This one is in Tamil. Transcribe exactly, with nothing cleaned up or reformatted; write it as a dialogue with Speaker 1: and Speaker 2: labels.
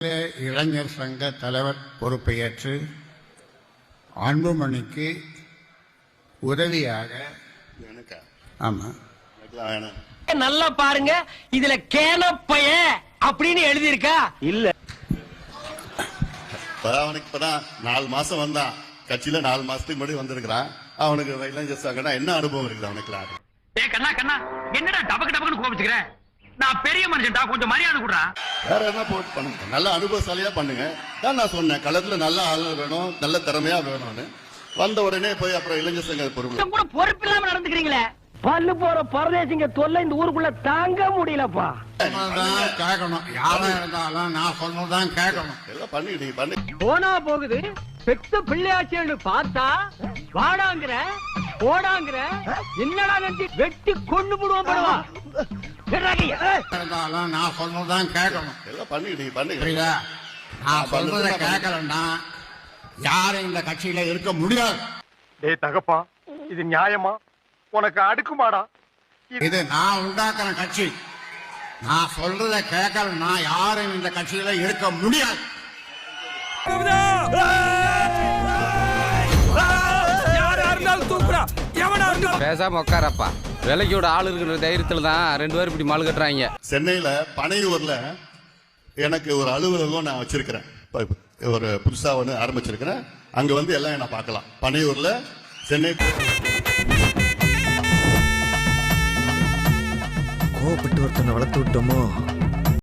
Speaker 1: இளைஞர் சங்க தலைவர் பொறுப்பை ஏற்று அன்புமணிக்கு உதவியாக ஆமா
Speaker 2: நல்லா பாருங்க, இதுல கேனப்பைய அப்படின்னு எழுதியிருக்கா இல்ல.
Speaker 3: அவனுக்கு இப்பதான் நாலு மாசம் வந்தான் கட்சியில, நாலு மாசத்துக்கு முன்னாடி வந்திருக்கிறான். அவனுக்கு இளைஞர் சங்கம்னா என்ன அனுபவம் இருக்குது அவனுக்கு?
Speaker 2: ஏ கண்ணா கண்ணா, என்னடா டபக்கு டபக்குன்னு கோபிச்சுக்கிறேன்? நான் பெரிய மனுஷன்டா, கொஞ்சம் மரியாதை கொடுறா.
Speaker 3: வேற என்ன போட்டு பண்ணுங்க, நல்ல அனுபவசாலியா பண்ணுங்க. தான் நான் சொன்னேன், களத்துல நல்ல ஆள் வேணும், நல்ல திறமையா வேணும்னு. வந்த உடனே போய் அப்புறம் இளைஞர் சங்க பொறுப்பு
Speaker 2: கூட பொறுப்பு இல்லாம நடந்துக்கிறீங்களே. பல்லு போற பரதேசிங்க தொல்லை இந்த ஊருக்குள்ள தாங்க முடியலப்பா.
Speaker 1: கேட்கணும், யாரா இருந்தாலும் நான் சொன்னதான் கேட்கணும்.
Speaker 3: எல்லாம் பண்ணிக்கிட்டீங்க பண்ணி
Speaker 2: போனா போகுது. பெத்த பிள்ளையாச்சேன்னு பார்த்தா வாடாங்கிற போடாங்கிற என்னடா நினைச்சு வெட்டி கொண்டு போடுவோம் படுவா.
Speaker 1: இருந்தாலும் நான் சொன்னதான் கேட்கணும்.
Speaker 3: எல்லாம் பண்ணிக்கிட்டீங்க பண்ணி
Speaker 1: புரியுதா? நான் சொல்றத கேட்கலன்னா யாரும் இந்த கட்சியில இருக்க முடியாது.
Speaker 4: டேய் தகப்பா, இது நியாயமா? உனக்கு அடுக்குமாடா?
Speaker 1: இது நான் உண்டாக்குற கட்சி. நான் சொல்றத கேட்கலன்னா யாரும் இந்த கட்சியில இருக்க முடியாது.
Speaker 5: பேசாம உட்காரப்பா. விலைக்கோட ஆள் இருக்கிற தைரியத்துல தான் ரெண்டு பேரும் இப்படி மாலு கட்டுறாங்க.
Speaker 3: சென்னையில பனையூர்ல எனக்கு ஒரு அலுவலகம் நான் வச்சிருக்கிறேன். ஒரு புதுசா ஒன்று ஆரம்பிச்சிருக்கிறேன். அங்க வந்து எல்லாம் என்ன பார்க்கலாம். பனையூர்ல சென்னை.
Speaker 6: கோவப்பட்டு ஒருத்தனை வளர்த்து விட்டோமோ?